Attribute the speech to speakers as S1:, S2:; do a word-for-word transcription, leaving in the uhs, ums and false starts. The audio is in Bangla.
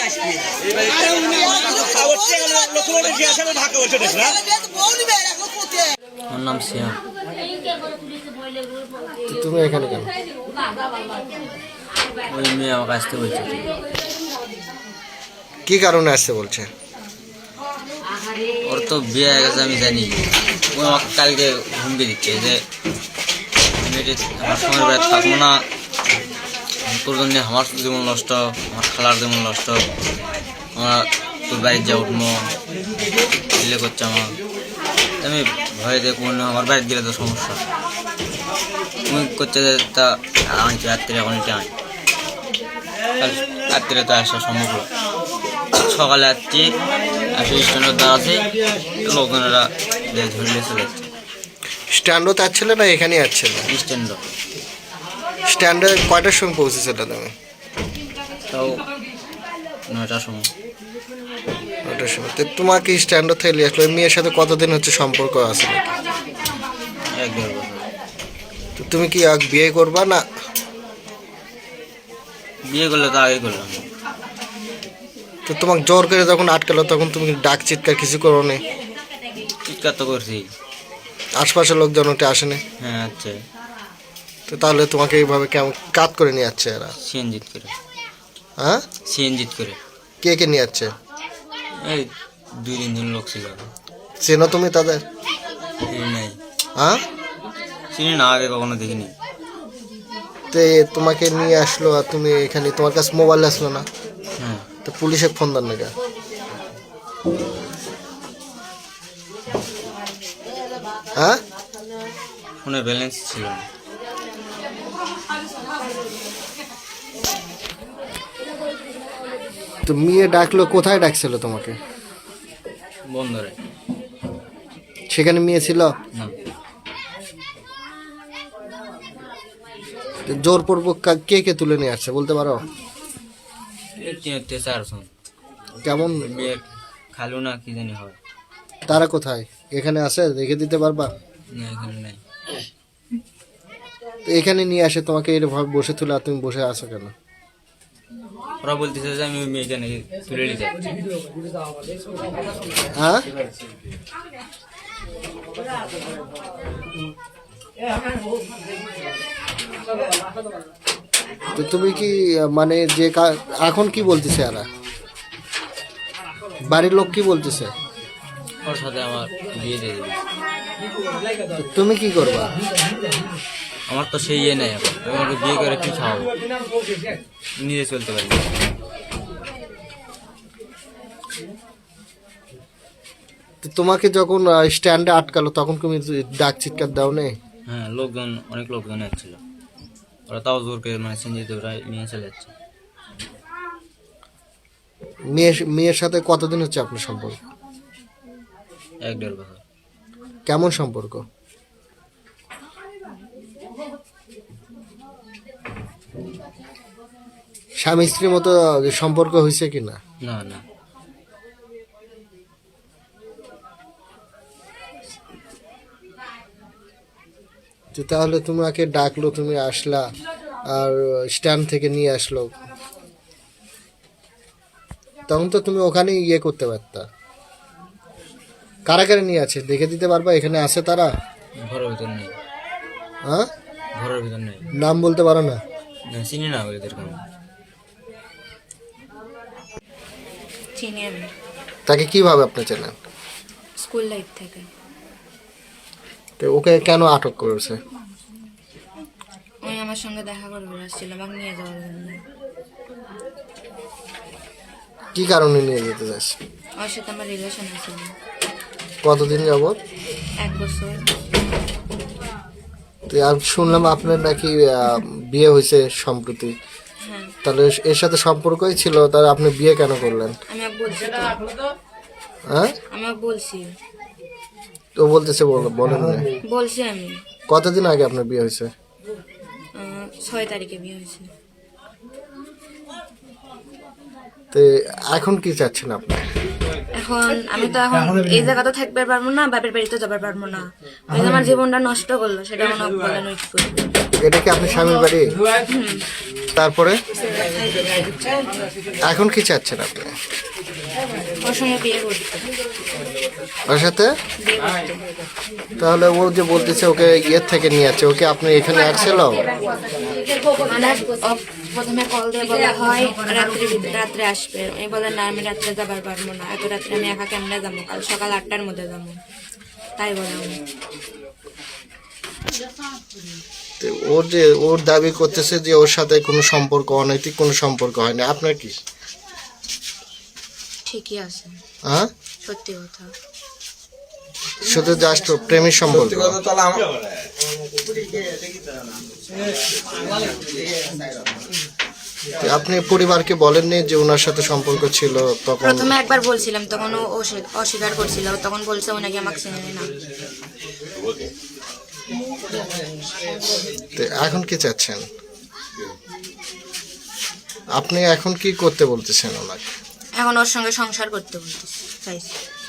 S1: আমার নাম সিয়াম।
S2: তুমি এখানে কেন?
S1: ওই মেয়ে আমাকে আসতে বলছে।
S2: কি কারণে আসতে বলছে?
S1: ওর তো বিয়ে হয়ে গেছে আমি জানি। ও আমাকে কালকে হুমকি দিচ্ছে যে মেয়েটি আমার সময় বাড়ি থাকবো না, তোর জন্য আমার জীবন নষ্ট, আমার খালার জীবন নষ্ট, আমরা তোর বাড়ির যা উঠবো দিলে করছে আমার। আমি ভয় দিয়ে কোনো আমার বাড়ির গেলে তো সমস্যা। তুমি করছে যে তা আনছি রাত্রে, এখন এটা আনি রাত্রে তো আসা সম্ভব না। সকালে আসছি, আসে স্ট্যান্ডের দ্বার আছে, লোকজনেরা ধরে চলে যাচ্ছে।
S2: স্ট্যান্ডও যাচ্ছিল না এখানেই আসছিল?
S1: স্ট্যান্ড।
S2: স্ট্যান্ডে কয়টার সময় পৌঁছেছিল তুমি?
S1: তাও নয়টার সময়।
S2: নয়টার সময়। তো তোমাকে স্ট্যান্ড থেকে নিয়ে আসলো। মেয়ের সাথে কতদিন হচ্ছে সম্পর্ক আছে?
S1: এক দেড় বছর।
S2: তো তুমি কি আগ বিয়ে করবা না?
S1: বিয়ে করলে তো আগে করলাম।
S2: তো তোমাকে জোর করে যখন আটকালো তখন তুমি ডাক চিৎকার কিছু করো নি?
S1: চিৎকার তো করছি।
S2: আশপাশের লোকজন ওটা আসেনি?
S1: হ্যাঁ আচ্ছা।
S2: তো তাহলে তোমাকে এইভাবে কেমন কাত করে নিয়ে যাচ্ছে এরা?
S1: সিএনজিত করে।
S2: হ্যাঁ,
S1: সিএনজিত করে।
S2: কে কে নিয়ে যাচ্ছে?
S1: এই দুই তিনজন লোক ছিল।
S2: চেনো তুমি তাদের?
S1: চিনি নাই।
S2: হ্যাঁ,
S1: চিনি না, আগে কখনো দেখিনি।
S2: তে তোমাকে নিয়ে আসলো আর তুমি এখানে, তোমার কাছে মোবাইল আসলো না?
S1: হ্যাঁ।
S2: তো পুলিশে ফোন দেন না? হ্যাঁ,
S1: ফোনে ব্যালেন্স ছিল না।
S2: তো মেয়ে ডাকলো, কোথায় ডাকছিল তোমাকে?
S1: বন্দরে।
S2: সেখানে মেয়ে ছিল
S1: না।
S2: জোরপূর্বক কে কে তুলে নিয়ে আসছে বলতে পারো?
S1: চারজন।
S2: কেমন?
S1: মেয়ে খালু না কি জানি হয়।
S2: তারা কোথায়? এখানে আছে, রেখে দিতে পারবা?
S1: না, এখানে নাই।
S2: তো এখানে নিয়ে আসে তোমাকে এরভাবে বসে তুলে, আর তুমি বসে আছো কেন?
S1: ওরা বলতেছে যে আমি ওই মেয়েকে নাকি তুলে নিতে যাচ্ছি।
S2: হ্যাঁ, তো তুমি কি মানে যে এখন কি বলতেছে এরা? বাড়ির লোক কি বলতেছে?
S1: ওর সাথে আমার বিয়ে দিয়ে দিবি।
S2: তুমি কি করবা?
S1: আমার তো সেই ইয়ে নেই এখন। আমি ওকে বিয়ে করে কি খাওয়াবো? নিজে চলতে পারি।
S2: তো তোমাকে যখন স্ট্যান্ডে আটকালো তখন তুমি ডাক চিৎকার দাও নেই?
S1: হ্যাঁ, লোকজন, অনেক লোকজন আসছিল। ওরা তাও জোর করে মানে সিনজিতে ওরা নিয়ে চলে যাচ্ছে।
S2: মেয়ের মেয়ের সাথে কতদিন হচ্ছে আপনার সম্পর্ক?
S1: এক দেড় বছর।
S2: কেমন সম্পর্ক? স্বামী স্ত্রীর মতো সম্পর্ক হয়েছে কিনা?
S1: না না।
S2: তো তাহলে তোমাকে ডাকলো, তুমি আসলা, আর স্ট্যান্ড থেকে নিয়ে আসলো, তখন তো তুমি ওখানে ইয়ে করতে পারতা। কারা কারা নিয়ে আছে দেখে দিতে পারবা? এখানে আছে তারা?
S1: ঘরের ভিতর নেই।
S2: হ্যাঁ,
S1: ঘরের ভিতর নেই।
S2: নাম বলতে পারো না?
S1: চিনি না ওদের কোনো।
S3: চিনি আমি।
S2: তাকে কিভাবে আপনি চেনেন?
S3: স্কুল লাইফ থেকে।
S2: তো ওকে কেন আটক করেছে?
S3: ওই আমার সঙ্গে দেখা করবে আসছিল, আমাকে নিয়ে যাওয়ার জন্য।
S2: কি কারণে নিয়ে যেতে চাইছে?
S3: ওর সাথে আমার রিলেশন আছে।
S2: কতদিন যাবত?
S3: এক বছর।
S2: তো আর শুনলাম আপনার নাকি আহ, বিয়ে হয়েছে সম্প্রতি।
S3: হ্যাঁ।
S2: তাহলে এর সাথে সম্পর্কই ছিল, তাহলে আপনি বিয়ে কেন করলেন?
S3: আমি ওকে বলছি তো।
S2: হ্যাঁ,
S3: আমি ওকে বলছি।
S2: তো বলতেছে বল- বলেন না।
S3: বলছি আমি।
S2: কতদিন আগে আপনার বিয়ে হয়েছে?
S3: আহ, ছয় তারিখে বিয়ে হয়েছে।
S2: তো এখন কি চাচ্ছেন আপনি?
S3: এখন আমি তো এখন এই জায়গাতে থাকতে পারবো না, বাপের বাড়িতে যাবার পারবো না। ওই যে আমার জীবনটা নষ্ট করলো, সেটা মনে হয় বলেন ওই কি করবো।
S2: এটা কি আপনার স্বামীর বাড়ি?
S3: হুম।
S2: তারপরে এখন কি চাচ্ছেন আপনি?
S3: ওর সঙ্গে বিয়ে করতে
S2: ওর সাথে?
S3: বিয়ে করতে
S2: তাহলে ও যে বলতেছে ওকে ইয়ের থেকে নিয়ে যাচ্ছে, ওকে আপনি এখানে আসছিল?
S3: মানে ও প্রথমে কল দিয়ে বলা হয় রাত্রে রাত্রে আসবে, আমি বলে না আমি রাত্রে যাবার পারবো না, এত রাত্রে আমি একা কেমনে যাবো, কাল সকাল আটটার মধ্যে যাবো, তাই বলে উনি।
S2: তো ওর যে ওর দাবি করতেছে যে ওর সাথে কোনো সম্পর্ক, অনৈতিক কোনো সম্পর্ক হয় না, আপনার কি?
S3: ঠিকই আছে,
S2: হ্যাঁ,
S3: সত্যি কথা।
S2: শুধু জাস্ট প্রেমের সম্পর্ক। তো আপনি পরিবারকে বলেননি যে ওনার সাথে সম্পর্ক ছিল তখন?
S3: প্রথমে একবার বলছিলাম, তখন ও অস্বী- অস্বীকার করছিল, তখন বলছে ও নাকি আমাকে চেনে না।
S2: তো এখন কি চাচ্ছেন আপনি? এখন কি করতে বলতেছেন ওনাকে?
S3: এখন ওর সঙ্গে সংসার করতে বলতেছি চাইছি।